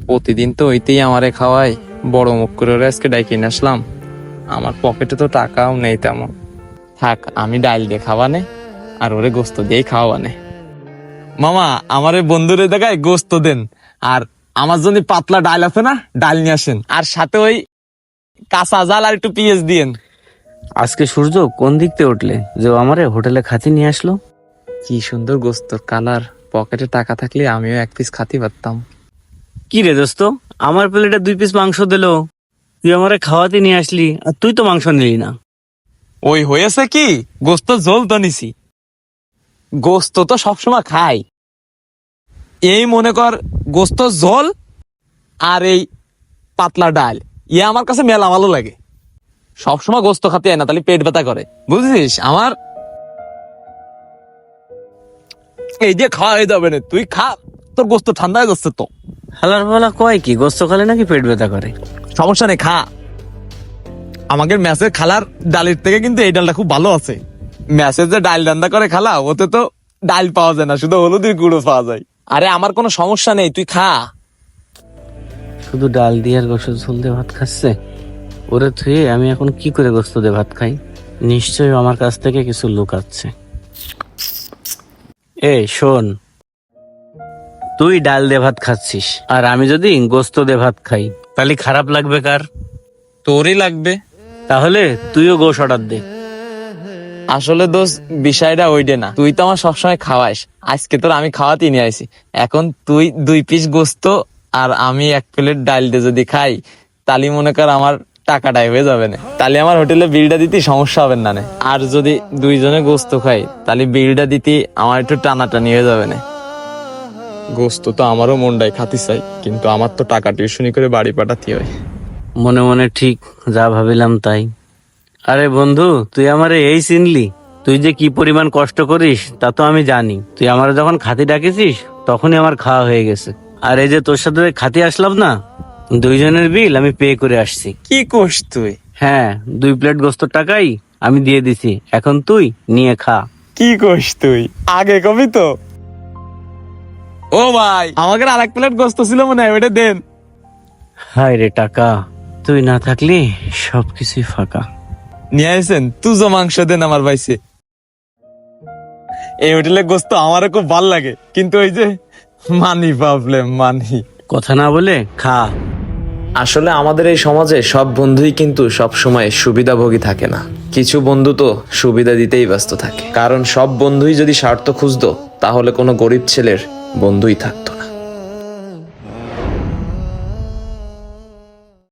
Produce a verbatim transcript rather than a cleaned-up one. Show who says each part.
Speaker 1: প্রতিদিন তো ওইতেই আমারে খাওয়াই, বড় মুখ করে ওরা আজকে ডাইকে নিয়ে আসলাম। আমার পকেটে তো টাকাও নেই তেমন। থাক, আমি ডাইল দিয়ে খাওয়ানে আর ওরে গোস্ত দিয়েই খাওয়ানে। মামা, আমার এই বন্ধুরে দেখায় গোস্ত দেন, আর আমার জন্য পাতলা ডাল আছে না, ডাল নিয়ে আসেন, আর সাথে ওই কাঁচা জাল আর একটু পেঁয়াজ দিয়েন।
Speaker 2: আজকে সূর্য কোন দিক থেকে উঠলে যে ও আমারে হোটেলে খাতি নিয়ে আসলো?
Speaker 1: কি সুন্দর গোস্তর কালার, পকেটে টাকা থাকলে আমিও এক পিস খাতি পারতাম।
Speaker 2: কি রে দোস্ত, আমার প্লেটে দুই পিস মাংস দিলো, তুই আমারে খাওয়াতে নিয়ে আসলি আর তুই তো মাংস নিলি না।
Speaker 1: ওই হয়েছে কি, গোস্ত ঝোল তো নিছি, গোস্ত তো সবসময় খাই। এই মনে কর গোস্ত ঝোল আর এই পাতলা ডাল, ইয়ে আমার কাছে মেলা ভালো লাগে। সবসময় গোস্ত খাতে হয় না, তাহলে পেট ব্যথা করে, বুঝছিস? আমার এই যে খাওয়া হয়ে যাবে না, তুই খা, তোর গোস্ত ঠান্ডা হয়ে যাচ্ছে তো।
Speaker 2: হালার ফালা কয় কি, গোস্ত খালে নাকি পেট ব্যথা করে?
Speaker 1: সমস্যা নেই, খা। আমাদের ম্যাচের খালার ডালের থেকে কিন্তু এই ডালটা খুব ভালো আছে। ম্যাচের যে ডাল রান্না করে খালা, ওতে তো ডাল পাওয়া যায় না, শুধু হলুদের গুঁড়ো পাওয়া যায়। আরে আমার কোনো সমস্যা নেই, তুই খা।
Speaker 2: শুধু ডাল দিয়ে আর গোস্ত ঝোল দিয়ে ভাত খাচ্ছে। ওরে থুয়ে আমি এখন কি করে গোস্ত দিয়ে ভাত খাই? নিশ্চয়ই আমার কাছ থেকে কিছু লুকাচ্ছে। এ শোন, তুই ডাল দিয়ে ভাত খাচ্ছিস আর আমি যদি গোস্ত দিয়ে ভাত খাই, তাহলে খারাপ লাগবে কার?
Speaker 1: তোরই লাগবে।
Speaker 2: তাহলে তুইও গোশ অর্ডার দে।
Speaker 1: আসলে দোষ বিষয়টা ওইটা না, তুই তো আমার সবসময় খাওয়াইস, আজকে তোর আমি খাওয়াতে নিয়ে আইছি। এখন তুই দুই পিস গোস্ত আর আমি এক প্লেট ডাল দিয়ে যদি খাই, তাহলে মনে কর আমার টাকাটাই হয়ে যাবে না, তাহলে আমার হোটেলে বিলটা দিতে সমস্যা হবে না। আর যদি দুইজনে গোস্ত খাই, তাহলে বিলটা দিতে আমার একটু টানাটানি হয়ে যাবে না। গোস্ত তো আমারও মনটাই খাতি চাই, কিন্তু আমার তো টাকা টিউশনি করে বাড়ি পাঠাতে হয়।
Speaker 2: মনে মনে ঠিক যা ভাবিলাম তাই। আরে বন্ধু, তুই আমারে এই চিনলি? তুই যে কি পরিমাণ কষ্ট করিস তা তো আমি জানি। তুই আমার যখন খাতি ডাকেছিস তখনই আমার খাওয়া হয়ে গেছে। আর এই যে তোর সাথে খাতি আসলাম না, দুইজনের বিল আমি পে করে আসছি।
Speaker 1: কি কোষ তুই?
Speaker 2: হ্যাঁ, দুই প্লেট গোস্তর টাকাই আমি দিয়ে দিছি, এখন তুই নিয়ে খা।
Speaker 1: কি কোষ তুই? আগে কবি তো। ও ভাই, আমাকে আর এক প্লেট গোস্ত ছিল মনে হয়, ওটা দেন।
Speaker 2: হায় রে টাকা, তুই না থাকলে সবকিছুই ফাঁকা।
Speaker 1: নিয়ে আসেন, তুজো মাংস দেন আমার ভাইসে। এই হোটেলে গোস্ত আমারও খুব ভাল লাগে, কিন্তু ওই যে মানি প্রবলেম, মানি।
Speaker 2: কথা না বলে খা।
Speaker 3: আসলে আমাদের এই সমাজে সব বন্ধুই কিন্তু সব সময় সুবিধাভোগী থাকে না। কিছু বন্ধু তো সুবিধা দিতেই ব্যস্ত থাকে, কারণ সব বন্ধুই যদি স্বার্থ খুঁজতো, তাহলে কোনো গরিব ছেলের বন্ধুই থাকতো।